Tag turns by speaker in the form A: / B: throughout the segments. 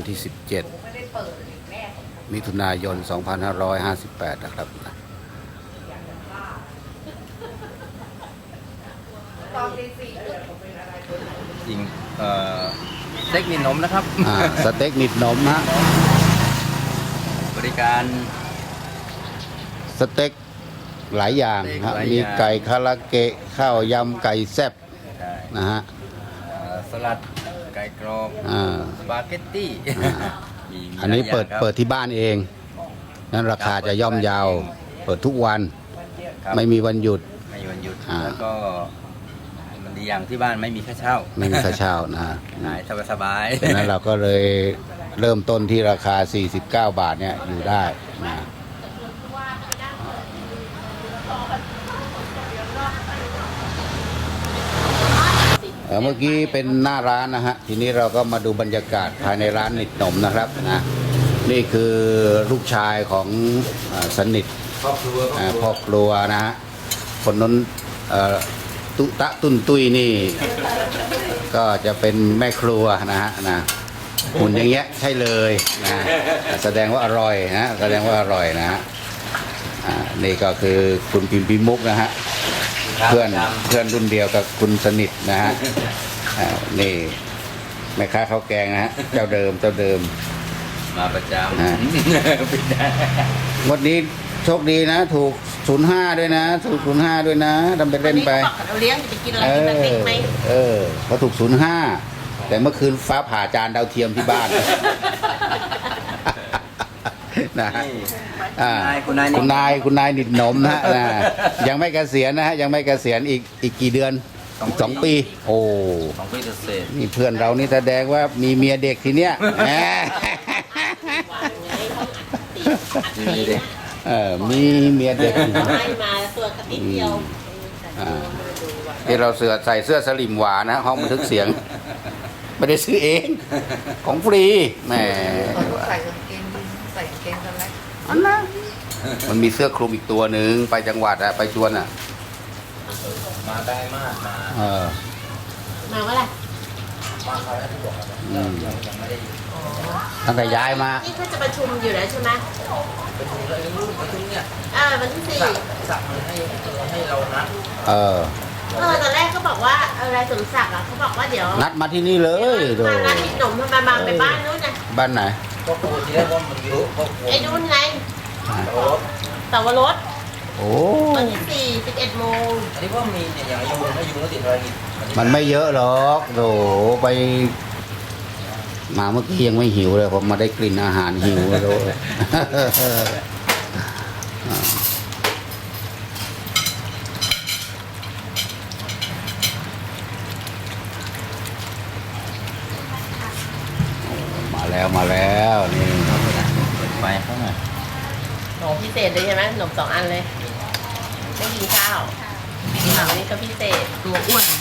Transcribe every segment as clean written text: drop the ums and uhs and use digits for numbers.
A: ที่ 17 มิถุนายน 2558 นะครับ
B: จริงสเต็กนิดนมนะครับ
A: สเต็กนิดนมฮะ
B: บริการ
A: สเต็กหลายอย่างฮะมีไก่คาราเกะข้าวยำไก่แซ่บนะฮะ
B: สลัดไก่กรอบสปาเกตตี้
A: อันนี้เปิดที่บ้านเองนั้นราคาจะย่อมเยาวเปิดทุกวันไม่มีวันหยุด
B: แล้วก็มันดีอย่างที่บ้านไม่มีค่าเช่า
A: ไม่มีค่าเช่านะ
B: หายสบาย
A: ดังนั้นเราก็เลยเริ่มต้นที่ราคา49 บาทเนี่ยอยู่ได้นะเมื่อกี้เป็นหน้าร้านนะฮะทีนี้เราก็มาดูบรรยากาศภายในร้านนิดหนมนะครับนะนี่คือลูกชายของสนิทพ่อครัวนะฮะคนนั้นตุตะตุนตุยนี่ก็จะเป็นแม่ครัวนะฮะนะหุ่นอย่างเงี้ยใช่เลยนะแสดงว่าอร่อยนะแสดงว่าอร่อยนะฮะนี่ก็คือคุณพิมพิมุกนะฮะเพื่อนรุ่นเดียวกับคุณสนิทนะฮะนี่แม่ค้าข้าวแกงนะฮะเจ้าเดิม
B: มาประจำ
A: วันนี้โชคดีนะถูก05ด้วยนะถูก05ด้วยนะทำไปเล่นไป
C: เราเลี้ยงจะกินอะไรกินเล็กไหม
A: เขาถูก05แต่เมื่อคืนฟ้าผ่าจานดาวเทียมที่บ้านนะคุณนายนิดหนมนะยังไม่เกษียณนะฮะยังไม่เกษียณอีกกี่เดือน2 ปีโอ้
B: 2 ปีเศษ
A: นี่เพื่อนเรานี่แสดงว่ามีเมียเด็กทีเนี้ยมีเมียเด็ก
C: ให้มาตัวกระติกเดียว
A: ที่เราใส่เสื้อสลิมหวานนะห้องบันทึกเสียงไม่ได้ซื้อเองของฟรีแหม
C: ใส่กางเกงสแลก
A: อันนั้นมันมีเสื้อคลุมอีกตัวหนึ่งไปจังหวัดอะไปชวนอะ
B: มาได้มาก
C: มาเมื่อไหร่
B: มาคราวที่บอกยังไม่ได้
A: ตั้งแต่ย้ายมา
C: นี่เขาจะประชุมอยู่แล้วใช่ไหม
B: ประชุมแล้วประชุมเนี่ย
C: วันที่4
B: สั่งให้เรานัด
C: ตอนแรกเขาบอกว่าอะไรสมศักดิ์เขาบอกว่าเดี๋ยว
A: นัดมาที่นี่เลย
C: มานัดนิดหนุ่มมาไปบ้านนู้นนะ
A: บ้านไหน
B: ก็ปกติแล้วว่ามันเยอะ
C: ไอ้นู้นไงแต่ว่ารถ
A: โอ้
C: วันที่11 โมง
B: อันนี้ว่ามีเนี่ยอย่างยูไม่ยูแล้วติดอะไร
A: มันไม่เยอะหรอกโหไปมาเมื่อกี้ยังไม่หิวเลยผมมาได้กลิ่นอาหารหิวเลยมาแล้วนี่
B: ไปเข้ามา
C: หนมพิเศษเลยใช่ไหมหนม2 อันเลยไม่กินข้าววันนี้ก็พิเศษตัวอ้วน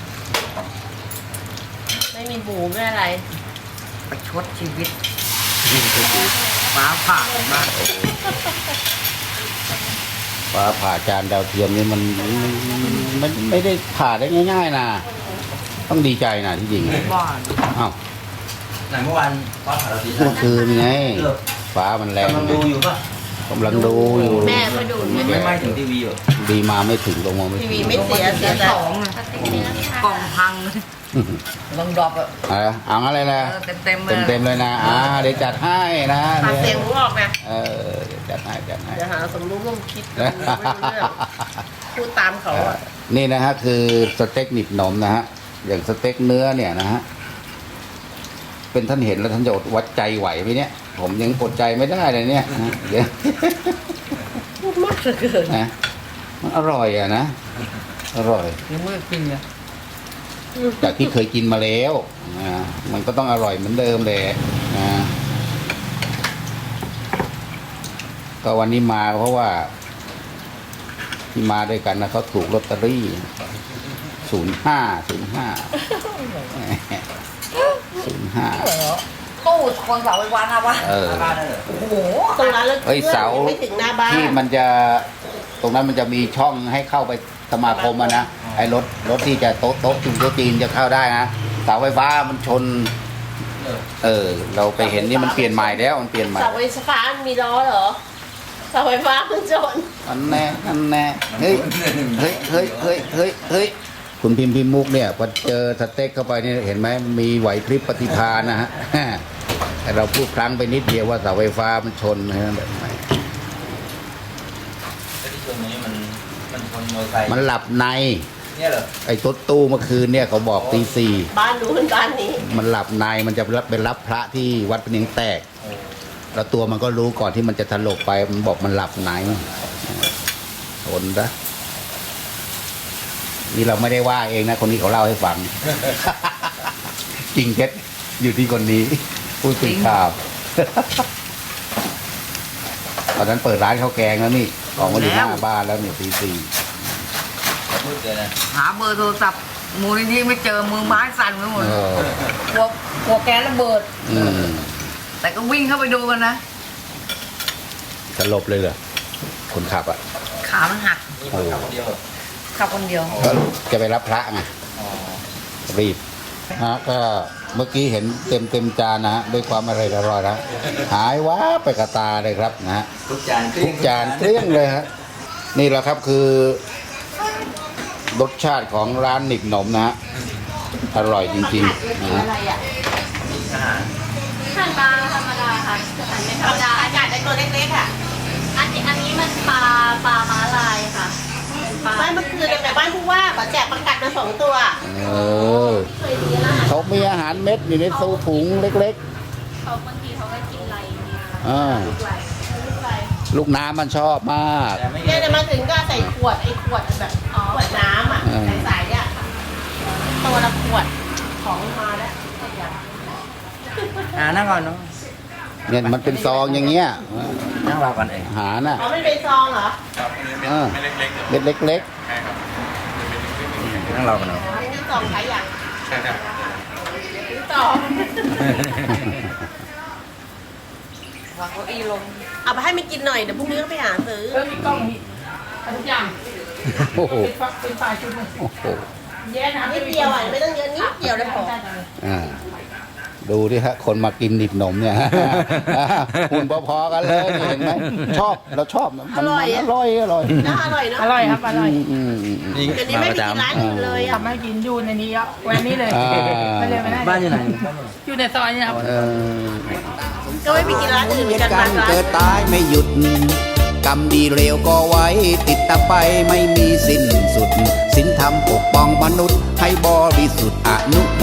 C: ไม่มีหมูไม่อะไร
B: ประชดชีวิตฟ้าผ่ามาก
A: ฟ้าผ่าจานดาวเทียมนี่มันไม่ได้ผ่าได้ง่ายๆนะต้องดีใจนะที่จริงอ้าว
B: เมื่อวานฟ้าผ่าเราดี
A: เมื่อคืนไงฟ้ามันแรง
B: กำลังดูอยู่ป่ะ
A: กำลังดูอยู่
C: แม่มาดู
B: ไม่ถึงทีวีอยู่
A: ดีมาไม่ถึงลงมาไม่
C: ทีวีไม่เสียแต่กล่องพังลองดรอป
A: เอาอะไรนะ
C: เต็ม
A: เลยนะเดี๋ยวจัดให้นะ
C: เสียงรู้ออกนะ
A: เดี๋ยวจัดให้เ
C: ดี๋ยวหาสมรู้ร่วมคิดพูดตามเขา
A: นี่นะฮะคือสเต็กหนิบหนมนะฮะอย่างสเต็กเนื้อเนี่ยนะฮะเป็นท่านเห็นแล้วท่านจะอดวัดใจไหวไหมเนี่ยผมยังอดใจไม่ได้เลยเนี่ยเดี๋ยว
C: พูดมากเกิน
A: นะมันอร่อยอะนะอร่อย
B: ยังไม่กินเลย
A: จากที่เคยกินมาแล้วมันก็ต้องอร่อยเหมือนเดิมเลยก็วันนี้มาเพราะว่าที่มาด้วยกันนะเขาถูกลอตเตอรี่
C: ตู้คนเสาไฟฟ้านะวะโอ้โหตรงนั้นเลย
A: เสา
C: ไม่ถึงหน้าบ้าน
A: ที่มันจะตรงนั้นมันจะมีช่องให้เข้าไปสมาคมนะไอ้รถที่จะโต๊ะจีนจะเข้าได้นะเสาไฟฟ้ามันชนเราไปเห็นนี่มันเปลี่ยนใหม่แล้วมันเปลี่ยนใหม่
C: เสาไฟฟ้ามีล้อเหรอเสาไฟฟ้ามันจน
A: อันแน่เฮ้ยคุณพิมพ์มุกเนี่ยพอเจอสเต็กเข้าไปนี่เห็นไหมมีไหวพริบปฏิภาณนะฮะ แต่เราพูดพลั้งไปนิดเดียวว่าเสาไฟฟ้ามันชนนะฮะแบบไหน
D: ที่ชนนี้มันชนมอเตอร์ไซค์
A: มันหลับใน
D: เนี่ยเหรอ
A: ไอ้ตุ๊ตู้เมื่อคืนเนี่ยเขาบอกตี
C: บ้านนู้นบ้านนี้
A: 4มันหลับในมันจะไปรับพระที่วัดพะเนียงแตก
D: โอ้
A: แล้วตัวมันก็รู้ก่อนที่มันจะถลกไปมันบอกมันหลับในทนนะนี่เราไม่ได้ว่าเองนะคนนี้เขาเล่าให้ฟัง จริงเท็จอยู่ที่คนนี้พูดถึงข่าว ตอนนั้นเปิดร้านข้าวแกงแล้วนี่ของมาอยู่หน้าบ้านแล้วเนี่ยตี
D: มืดเลยนะ
B: หาเบอร์โทรศัพท์มูลนิธิไม่เจอมือไม้สั่นไปหมด
A: เออก
B: ลัวแก๊สระเบิด
A: อืม
B: แต่ก็วิ่งเข้าไปดูกันนะ
A: สลบเลยเหรอคนขับอ่ะ
B: ขามันหัก
D: นี่คนขับคนเดียวเหรอ
B: ขับคนเดียว
A: ก็จะไปรับพระไง
D: อ๋อ
A: รีบก็เมื่อกี้เห็นเต็มจานนะฮะด้วยความอร่อยนะหายว้าไปกระตาเลยครับนะฮะ
D: ทุกจาน
A: ทุกจานเกลี้ยงเลยฮะนี่แหละครับคือรสชาติของร้านหนิกหนมนะฮะอร่อยจริงๆนะฮะ
C: อะไรอ่ะ
D: อาหาร
E: หั่นปลาธรรมดาค่ะหั่นไม่ธรรมดา
C: อากาศในตัวเล็กๆอ่ะ
E: อันนี้มันปลาม้าลายค่ะเป็นปลา
C: บ้านเมื่อคืนแต่บ้านผู้ว่าเขาแจกประกัดมา2 ตัว
A: เออเขามีอาหารเม็ดอยู่ในตู้ถุงเล็ก
E: เขาบางทีเขาก็กินไรเนี่ย
A: ๆลูกน้ำมันชอบมาก
D: แต่ไม่
C: เนี่ยมาถึงก็ใส่ขวดไอ้ขวดแบบขวดน้ำอ่ะ
A: อืม
C: ใสๆอ่ะตัวละขวดของมาแล้ว
D: นั่งก่อนเนาะ
A: เนี่ยมันเป็นซองอย่างเงี้ย
D: นั่งรอก่อนเอง
A: อาหารน่ะ
C: อ๋อมันเป็นซองเหรอ
A: เม็ดเล็ก
D: นั่งรอก่อนเนาะ
C: อันนี้ซองขายอย่าง
F: ใช่ครับ
C: ซื้อต่อ
B: วางเก้าอี้ลง
C: เอาไปให้มันกินหน่อยเดี๋ยวพรุ่งนี้ก็ไปหาซื้อ
B: มีกล้องมีทุกอย่าง
A: ๆโอ้โห
B: เป็นไฟชุดนึง
A: โอ้โห
B: แย่นะ
C: นิดเดียวอ่ะไม่ต้องเยอะนิดเดียวได้พอ
A: อ่าดูดิฮะคนมากินดิบหนมเนี่ย หุ่นพอๆกันเลยนี่เห็นไหมชอบเราชอบมันอร่อย
C: น่าอร่อยเนาะ
B: อร่อยครับอร่อย
D: นี่
C: เดี๋ยวนี้
D: มา
C: ไม่
D: ประ
C: มีกิน
D: จำ
C: ร้านอื่นเลยอ่ะ
B: ทำให้กินอยู่ในนี้อ่ะแวนนี้เลย
A: อ่า
B: ไม่เลยไม่ได้
D: บ้านอยู่ไหน
B: อยู่ในซอยเนี่ยครับ
A: เออ
C: ก็ไม่มีกินร้านอื่นเหมือนกัน
A: กั
C: บาน งร้าน
A: เกิดตายไม่หยุด กรรมดีเลวก็ไว้ ติดตามไปไม่มีสิ้นสุดศีลธรรมปกป้องมนุษย์ให้บริสุทธิ์อนุโม